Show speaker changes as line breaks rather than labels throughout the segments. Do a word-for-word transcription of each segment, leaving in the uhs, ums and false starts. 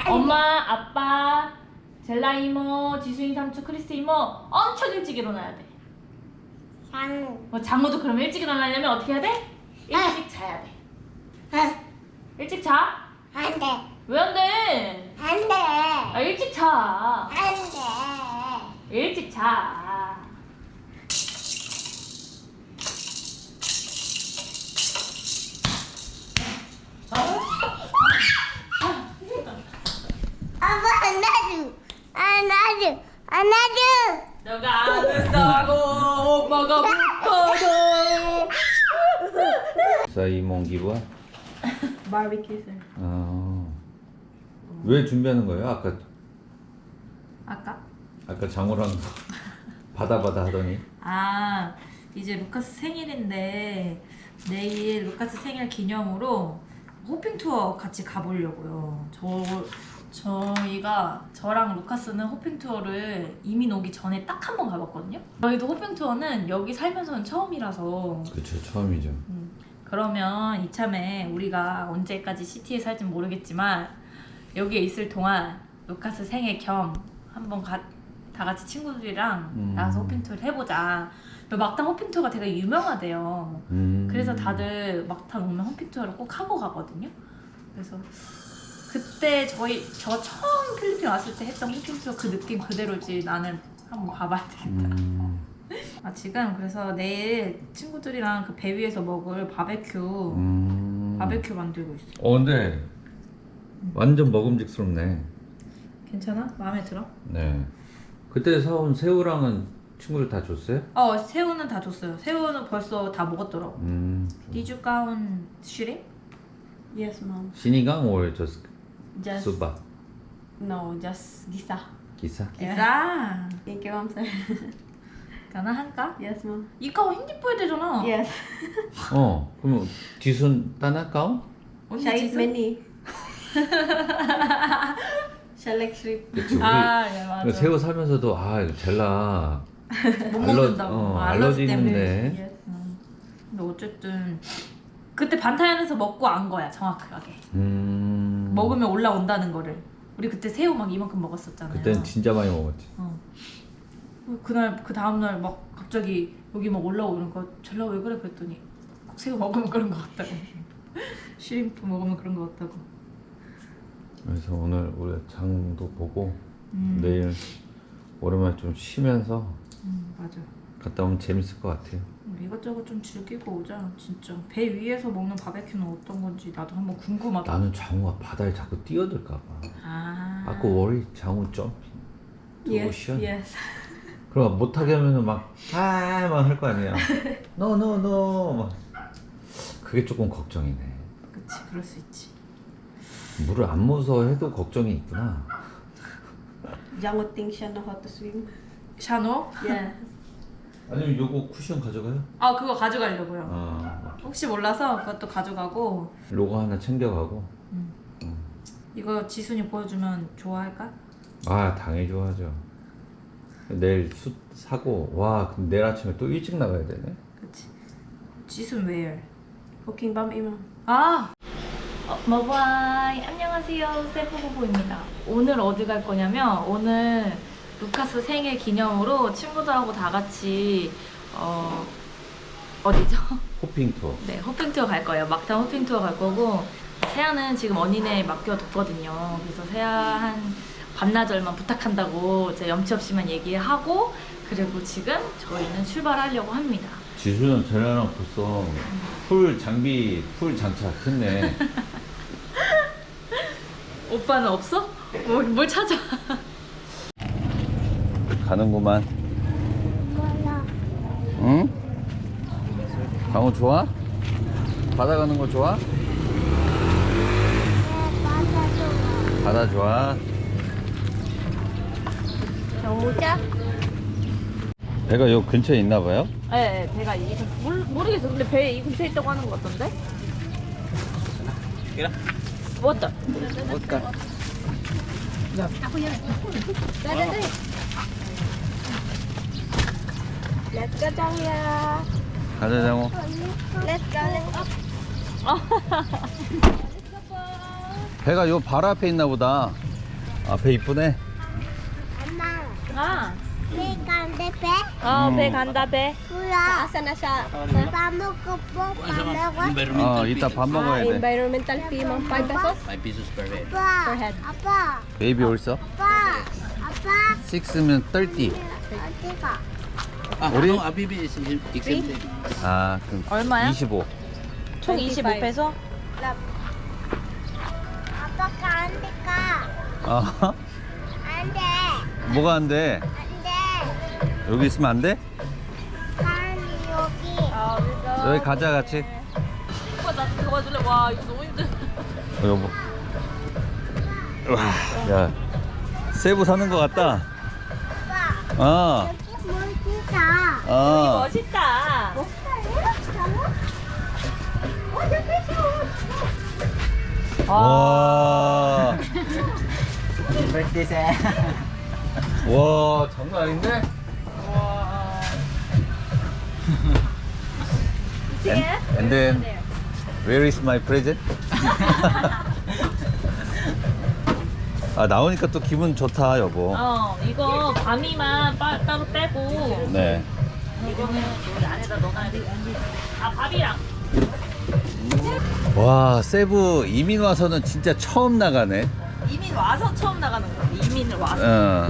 엄마, 아빠, 젤라 이모, 지수인 삼촌, 크리스트 이모 엄청 일찍 일어나야 돼.
장우.
어, 장모도 그럼 일찍 일어나려면 어떻게 해야 돼? 일찍 자야 돼.
아,
일찍 자?
안 돼.
왜 안 돼?
안 돼.
아, 일찍 자.
안 돼.
일찍 자.
아빠 안아줘. 안아줘. 안아줘.
너가 안 된다고 엄마가 못하죠.
사이몽 기부야?
바비큐.
아, 왜 준비하는 거예요? 아까
아까?
아까 장호랑 받아 받아 하더니.
아, 이제 루카스 생일인데 내일 루카스 생일 기념으로 호핑 투어 같이 가보려고요. 저 저희가 저랑 루카스는 호핑 투어를 이민 오기 전에 딱 한 번 가봤거든요. 저희도 호핑 투어는 여기 살면서는 처음이라서.
그쵸, 처음이죠.
음, 그러면 이참에 우리가 언제까지 시티에 살진 모르겠지만 여기에 있을 동안 루카스 생일 겸 한번 가, 다 같이 친구들이랑
음.
나가서 호핑 투어를 해보자. 막탄 호핑 투어가 되게 유명하대요.
음.
그래서 다들 막탄 오면 호핑 투어를 꼭 하고 가거든요. 그래서 그때 저희 저 처음 필리핀 왔을 때 했던 호핑 투어 그 느낌 그대로지. 나는 한번 가봐야 되겠다.
음.
아, 지금 그래서 내일 친구들이랑 그 배 위에서 먹을 바베큐
음.
바베큐 만들고 있어.
어, 근데 완전 먹음직스럽네.
괜찮아? 마음에 들어?
네. 그때 사온 새우랑은 친구들 다 줬어요?
어, 새우는 다 줬어요. 새우는 벌써 다 먹었더라고.
음.
Did you count shrimp?
Yes, mom.
시니강 or just
Just
수박?
no, just gisa.
기사?
기사.
Thank you, mom, sir.
가능할까?
Yes, mom.
이거 핸디포야 되잖아.
Yes.
어, 그럼 뒤순 따나 까오?
언니
Shall I eat
지수?
many? Shall I shrimp?
그치, 우리
아, 네, 맞아.
새우 살면서도 아 이거 젤라
못
알러-
먹는다고.
어,
아,
알러지
때문에.
있는데.
Yes.
음. 근데 어쨌든 그때 반타연에서 먹고 안 거야, 정확하게.
음.
먹으면 올라온다는 거를. 우리 그때 새우 막 이만큼 먹었었잖아요.
그때는 진짜 많이 먹었지.
어. 그날 그 다음 날 막 갑자기 여기 막 올라오는 거 젤라 왜 그래 그랬더니 꼭 새우 먹으면 그런 거 같다고. 쉬림프 먹으면 그런 거 같다고.
그래서 오늘 우리 장도 보고
음.
내일 오랜만에 좀 쉬면서
음, 맞아.
갔다 오면 재밌을 것 같아요.
음, 이것저것 좀 즐기고 오자. 진짜 배 위에서 먹는 바베큐는 어떤 건지 나도 한번 궁금하다.
나는 장우가 바다에 자꾸 뛰어들까 봐.
아.
아까 워리 장우 점핑.
Yes.
오션.
Yes.
그럼 못하게 하면은 막 아막 할 거 아니야. 노노노 막. 그게 조금 걱정이네.
그치, 그럴 수 있지.
물을 안 무서워해도 걱정이 있구나.
Jango thinks siya know how to swim.
샤노?
Yes.
아니면 요거 쿠션 가져가요?
아, 그거 가져가려고요.
아,
혹시 몰라서 그것도 가져가고.
로고 하나 챙겨가고.
음.
음.
이거 지순이 보여주면 좋아할까?
아, 당연히 좋아하죠. 내일 숯 사고 와 그럼 내일 아침에 또 일찍 나가야 되네.
그치. 지순 where?
Cooking bomb, mom.
아! 어, 머바이 안녕하세요, 세프부부입니다. 오늘 어디 갈 거냐면 오늘 루카스 생일 기념으로 친구들하고 다 같이 어... 어디죠?
호핑 투어.
네, 호핑 투어 갈 거예요. 막탄 호핑 투어 갈 거고 세아는 지금 언니네 맡겨뒀거든요. 그래서 세아 한 반나절만 부탁한다고 제가 염치 없이만 얘기하고 그리고 지금 저희는 출발하려고 합니다.
지수는 쟤네랑 벌써 풀 장비 풀 장착했네.
오빠는 없어? 뭘, 뭘 찾아?
가는구만.
몰라.
응? 강호 좋아? 바다 가는 거 좋아?
네, 맞아줘.
바다 좋아.
정우자?
배가 요 근처에 있나 봐요?
네, 네, 배가 이 모르, 모르겠어. 근데 배 이 근처에 있다고 하는 것 같던데?
이라.
뭐다?
뭘까?
Let's go, 장이야.
가자 장호.
Let's go, let's go.
배가 요 바로 앞에 있나 보다. 앞에 이쁘네.
엄마,
아,
배 간대 배?
어,
음.
배 간다 배.
뭐야?
Asa na siya?
밥 먹고 뭐 밥 먹어?
어, 이따 밥 먹어야 돼.
Environmental fee, mga five pesos
five pesos per head.
아빠,
per head.
아빠,
베이비 올서?
아빠, 아빠,
식스면 thirty.
어디가?
Ah,
Uri?
no, Abibi is exempted.
아, 그럼
얼마야?
이십오.
총 이십오 페소?
아빠가 안 될까?
어?
안 돼,
뭐가 안 돼?
안 돼.
여기 있으면 안 돼?
난 여기.
아,
여기 가자 같이.
오빠 나 들어가줄래? 와, 이거 너무 힘들어.
어, 여보. 와, 야, 세부 사는 것 같다.
아빠,
어,
여기 멋지다.
어.
멋있다.
와,
Birthday sa...
와, 장난 아닌데? And, and then, where is my present? 아, 나오니까 또 기분 좋다, 여보.
어, 이거 밤이만 빠, 따로 빼고
네.
이거는 여기 안에다 넣어놔야 돼. 아, 밥이랑.
와, 세부 이민 와서는 진짜 처음 나가네.
이민 와서 처음 나가는 거야. 이민을 와서.
어.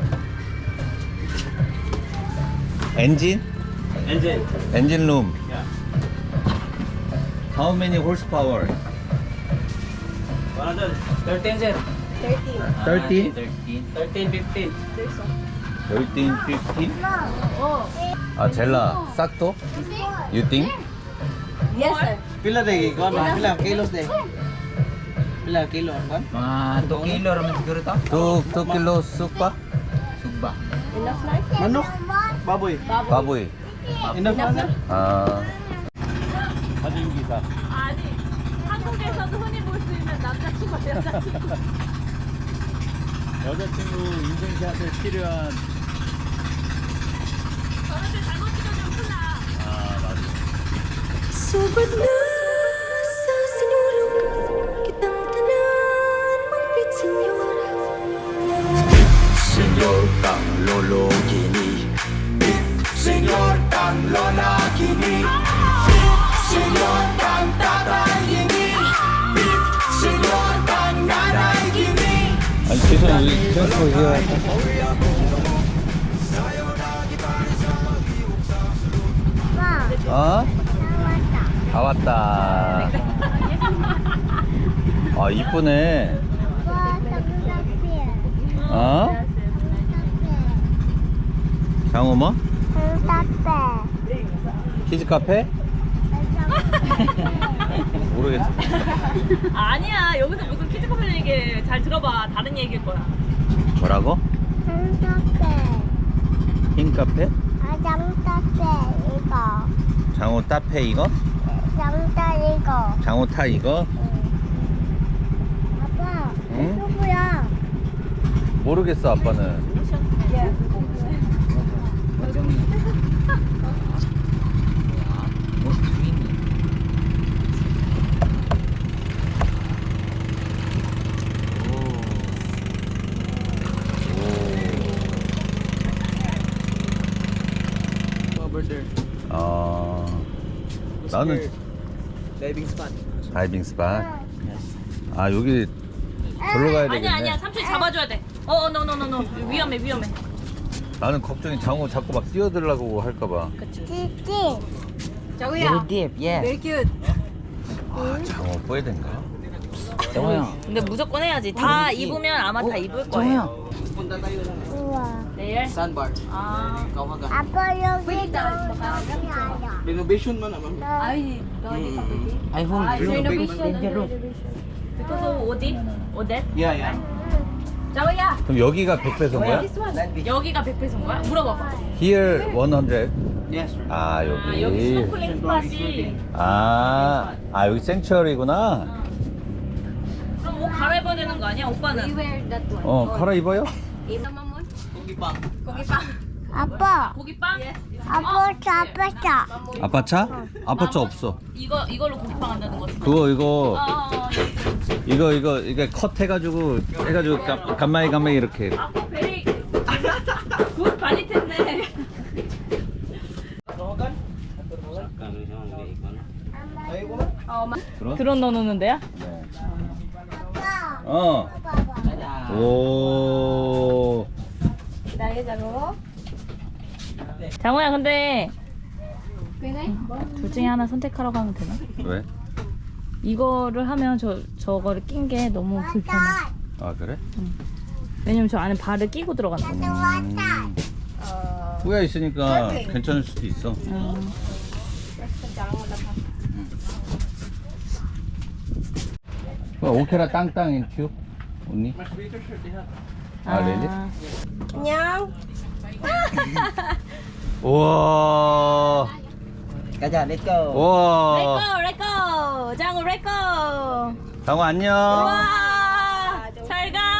엔진?
Engine.
엔진 룸.
Yeah.
How many horsepower?
one hundred thirteen, sir.
thirteen?
thirteen. thirteen, fifteen.
thirteen, fifteen?
어.
아, 젤라, 싹도? You think?
Yes, sir.
Pila lagi kon, mga pila kilos de. Pila kilo ang kon?
Mga two kilo raman siguro to.
two, two kilo sukpa?
Sugba.
Enough na?
Manok, baboy.
바보이.
Enough na sir?
아. 사진 기사.
아니, 한국에서도 흔히 볼 수 있는 남자친구, 여자친구.
여자친구 인생샷에 필요한.
저런데 잘못 찍어주면 큰일 나.
아, 맞아.
Sobat na sa sinulog kitang tanan mong pit senyor.
Senyor kang lolo kini, senyor kang lola kini, senyor kang tatay kini, senyor kang nanay kini.
아니, 죄송, 여기 트랜스퍼 해야
아빠,
어?
나왔다.
다 왔다. 아, 이쁘네.
아빠, 장사피.
어? 장어 뭐?
장사피.
키즈 카페? 모르겠어.
아니야, 여기서 무슨 키즈커플 얘기 잘 들어봐. 다른 얘기일 거야.
뭐라고?
장사피.
흰 카페?
아, 장사피 이거.
장어 따페 이거?
장사 이거.
장어 타 이거?
아빠,
응?
누구야?
모르겠어, 아빠는.
Over there.
아, 나는
Diving spot.
다이빙 스팟. 아, 여기 절로 가야 되겠네.
아니야, 아니야. 삼촌이 잡아줘야 돼. 어, 어, 노노노노. 위험해, 위험해.
나는 걱정이 장어 자꾸 막 뛰어들라고 할까봐.
찌찌.
Joya.
Deep, yeah.
Very cute.
아, 장어 뿌에된가?
정호야.
근데 무조건 해야지. 다 입으면 아마 다 입을 거예요.
Punta tayo ng
우와.
내일?
sandbar.
아,
Kawaga.
아빠 여기 너무
Renovation man naman.
Ay, doggy kapatid.
Ay, home.
Renovation.
Dangerous.
그래서 어디? 어데?
Yeah, yeah.
Joya.
그럼 여기가 백 배소인 거야?
This one.
여기가 백 배소인 거야? 물어봐봐.
Here one hundred.
Yes, sir.
아,
아, 여기
여기.
스노클링 스팟이.
아, 아, 여기 생츄어리구나.
그럼 옷 갈아입어야 되는 거 아니야?
We
오빠는?
wear that one.
어, 갈아입어요?
Ina mo mo.
Kugi pa.
Kogi pa.
아빠.
고기빵?
아빠 차 아빠 차.
아빠 차? 아빠 차 없어.
이거 이걸로 고기빵 한다는 거지.
그거 이거
어, 어, 어.
이거 이거 이게 컷 해가지고 해가지고 간- 간만에 간만에 이렇게.
아빠 베리 굿 많이 됐네. 드론 넣어놓는 데야?
어. 오.
장호야 근데 둘 중에 하나 선택하라고 하면 되나?
왜?
이거를 하면 저 저거를 낀 게 너무 불편해.
아 그래?
왜냐면 저 안에 발을 끼고 들어가는 거야.
음. 후야 있으니까 괜찮을 수도 있어.
음.
어, 오케라 땅땅 인큐 언니? 아 레리?
안녕.
우와.
Kaja, let's go.
우와.
렛고 렛고 장호 렛고.
장호 안녕.
와, 잘 가.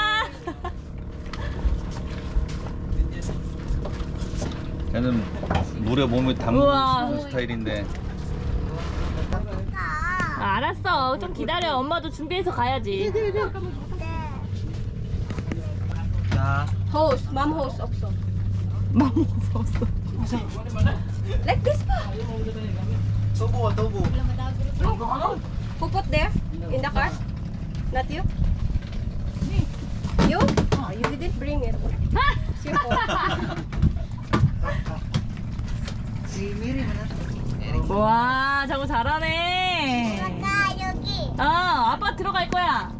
걔는 물에 몸을 담그는
우와.
스타일인데.
아, 알았어. 좀 기다려. 엄마도 준비해서 가야지.
Host, mom host also.
맘 무서웠어.
Like this pa.
Tubo, tubo.
Who put there? In the car? Not you? You? Oh, you didn't bring it. Simple.
와, 장호 잘하네.
아빠 여기.
어, 아빠 들어갈 거야.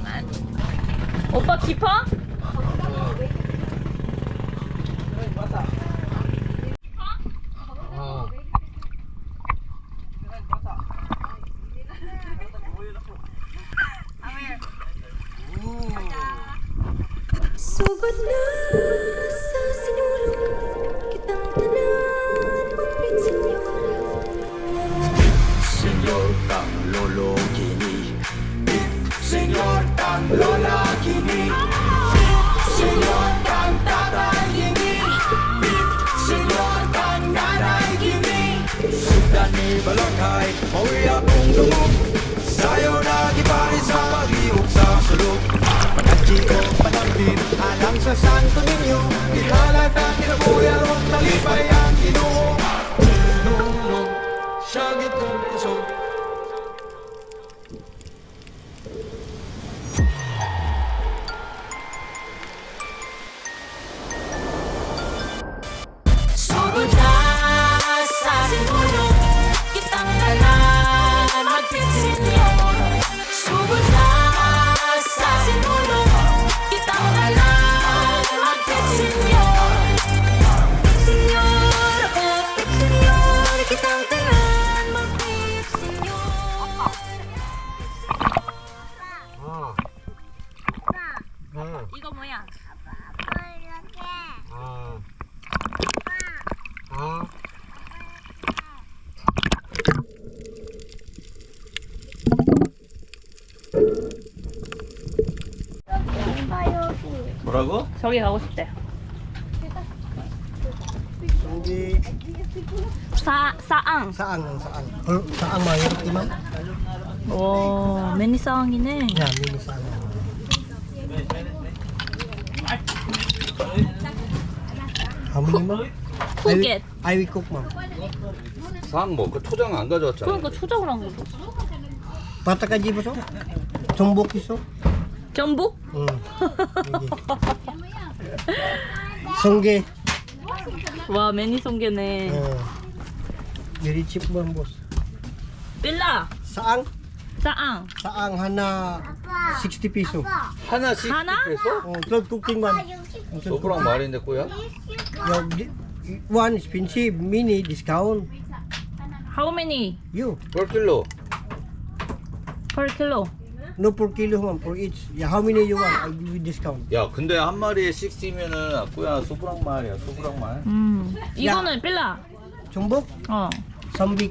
오빠 깊어?
Subad na sa sinulog kitang tanan Magpit
Senyor kang lolo kini Bit senyor kang lola kini Bit senyor kang tatay kini Bit senyor kang nanay kini Sudan ni balakay Mauwi akong lumog Sayo nagipari sa pag-iwag sa sulog Pagkachi ko panambin Alang sa santo ninyo Ihalat ang kinabuyan Huwag talipay ang ginoo Nunong Siyagit kong puso
Subad na sa sinulog kitang tanan Magpit Subad na sa sinulog kitang tanan Magpit Senyor Senyor ako, Pit Senyor kitang tanan Magpit Senyor
이거 뭐야?
아빠 여기. 아빠 여기.
뭐라고?
저기 가고 싶대.
Sunggi.
사 사앙.
Saan ang saan? Or saan mahirap imam?
오, 매니 사앙이네.
Yan, mini saan. How many ma'am?
Cook it.
I will cook ma'am.
상 뭐? 그 초장 안 가져왔잖아.
그러니까 초장을 한 거죠.
Pata ka jibo so? Tumbok iso?
전복?
Hmm. Sunggi.
와, 매니 송게네.
Uh, very cheap ma'am boss.
빌라.
Saang?
사앙.
Saang hana sixty peso.
하나씩
하나?
해서?
Oh, twelve cooking ma'am.
소프랑 말인데 꼬야?
Yo, di- one expensive, mini discount.
How many
You.
몇 킬로?
per kilo?
No per kilo ma'am, for each. Yeah, how many you want? I give you discount.
야 근데 한 마리에 육십면은 꼬야 소프랑 말이야 소프랑 말.
음. 이거는 빌라.
Chumbok,
어.
sambik.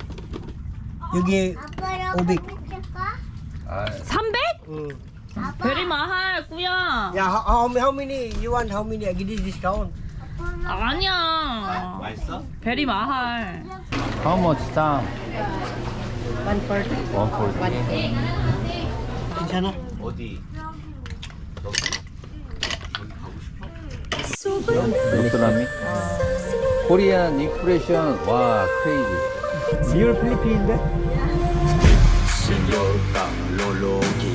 여기
아빠
오백.
여기 줄까?
아
삼백?
Mm.
베리 마할 꾸야.
Yeah, how, how how many you want? How many? I give you discount.
아니야.
맛있어?
베리 마할.
How much time?
one forty.
one forty.
괜찮아?
어디?
베트남이
코리안 익스프레션 와 크레이지. 리얼 필리핀인데?
Senyor kang lolo